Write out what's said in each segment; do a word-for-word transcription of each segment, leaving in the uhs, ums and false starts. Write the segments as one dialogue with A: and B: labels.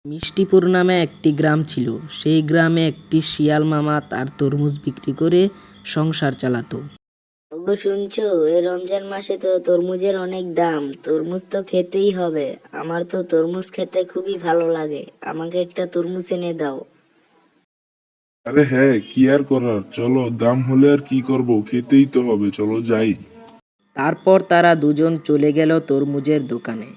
A: মিষ্টিপুর নামে একটি গ্রাম ছিল। সেই গ্রামে একটি শিয়াল মামা তার তরমুজ বিক্রি করে সংসার চালাতো।
B: ওগো শুনছো, এই রমজান মাসে তো তরমুজের অনেক দাম। তরমুজ তো খেতেই হবে। আমার তো তরমুজ খেতে খুবই ভালো লাগে। আমাকে একটা তরমুজ এনে দাও।
C: আরে হ্যাঁ, কি আর করার, চলো, দাম হলে আর কি করব, খেতেই তো হবে, চলো যাই।
A: তারপর তারা দুজন চলে গেল তরমুজের দোকানে।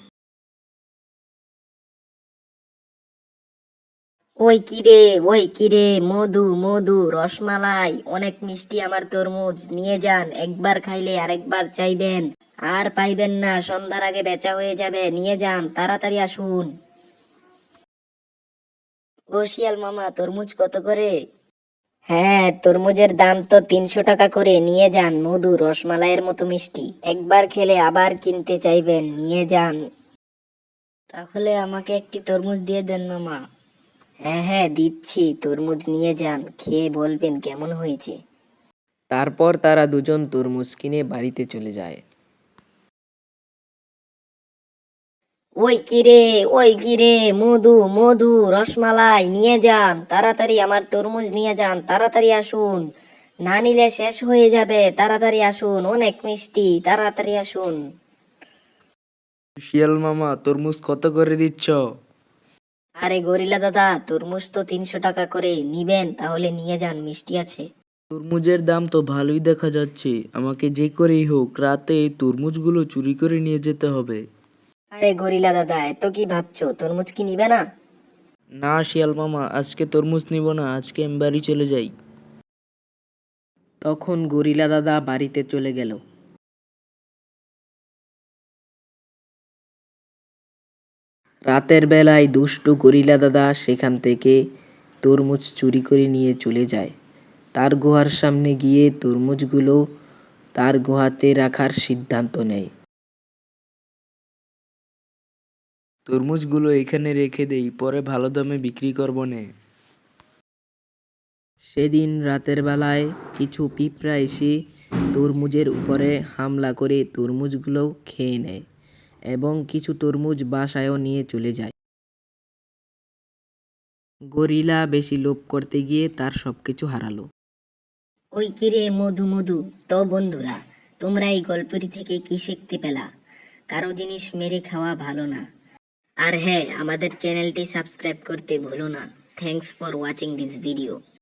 B: ওই কিরে, ওই কিরে, মধু মধু রসমালাই, অনেক মিষ্টি আমার তরমুজ, নিয়ে যান। একবার খাইলে আরেকবার চাইবেন, আর পাইবেন না। সন্ধ্যার আগে বেচা হয়ে যাবে, নিয়ে যান, তাড়াতাড়ি আসুন। ও শিয়াল মামা, তরমুজ কত করে? হ্যাঁ, তরমুজের দাম তো তিনশো টাকা করে, নিয়ে যান। মধু রসমালাইয়ের মতো মিষ্টি, একবার খেলে আবার কিনতে চাইবেন, নিয়ে যান। তাহলে আমাকে একটি তরমুজ দিয়ে দেন মামা। হ্যাঁ হ্যাঁ দিচ্ছি, তরমুজ নিয়ে যান, খেয়ে বলবেন কেমন হয়েছে।
A: তারপর তারা দুজন তরমুজ কিনে বাড়িতে চলে যায়।
B: ওই কিরে, ওই কিরে, মধু মধু রসমালাই, নিয়ে যান তাড়াতাড়ি, আমার তরমুজ নিয়ে যান, তাড়াতাড়ি আসুন। না নিলে শেষ হয়ে যাবে, তাড়াতাড়ি আসুন, অনেক মিষ্টি, তাড়াতাড়ি আসুন।
A: শিয়াল মামা, তরমুজ কত করে দিচ্ছ?
B: আরে গরিলা দাদা, তরমুজ তো তিনশো টাকা করে, নিবেন তাহলে নিয়ে যান, মিষ্টি আছে।
A: তরমুজের দাম তো ভালোই দেখা যাচ্ছে। আমাকে যে করেই হোক রাতে এই তরমুজগুলো চুরি করে নিয়ে যেতে হবে।
B: আরে গরিলা দাদা, এত কি ভাবছো, তরমুজ কি নিবে না?
A: না শিয়াল মামা, আজকে তরমুজ নিব না, আজকে আমি বাড়ি চলে যাই। তখন গরিলা দাদা বাড়িতে চলে গেল। রাতের বেলায় দুষ্টু গরিলা দাদা সেখান থেকে তরমুজ চুরি করে নিয়ে চলে যায়। তার গুহার সামনে গিয়ে তরমুজগুলো তার গুহাতে রাখার সিদ্ধান্ত নেয়। তরমুজগুলো এখানে রেখে দেই, পরে ভালো দামে বিক্রি করবো নে। সেদিন রাতের বেলায় কিছু পিঁপড়া এসে তরমুজের উপরে হামলা করে তরমুজগুলো খেয়ে নেয় এবং কিছু তরমুজ বাসায়ও নিয়ে চলে যায়। গরিলা বেশি লোভ করতে গিয়ে তার সবকিছু হারালো।
B: ওই কিরে মধু মধু, তো বন্ধুরা, তোমরা এই গল্পটি থেকে কি শিখতে পেলা? কারো জিনিস মেরে খাওয়া ভালো না। আর হ্যাঁ, আমাদের চ্যানেলটি সাবস্ক্রাইব করতে ভুলো না। Thanks for watching this video.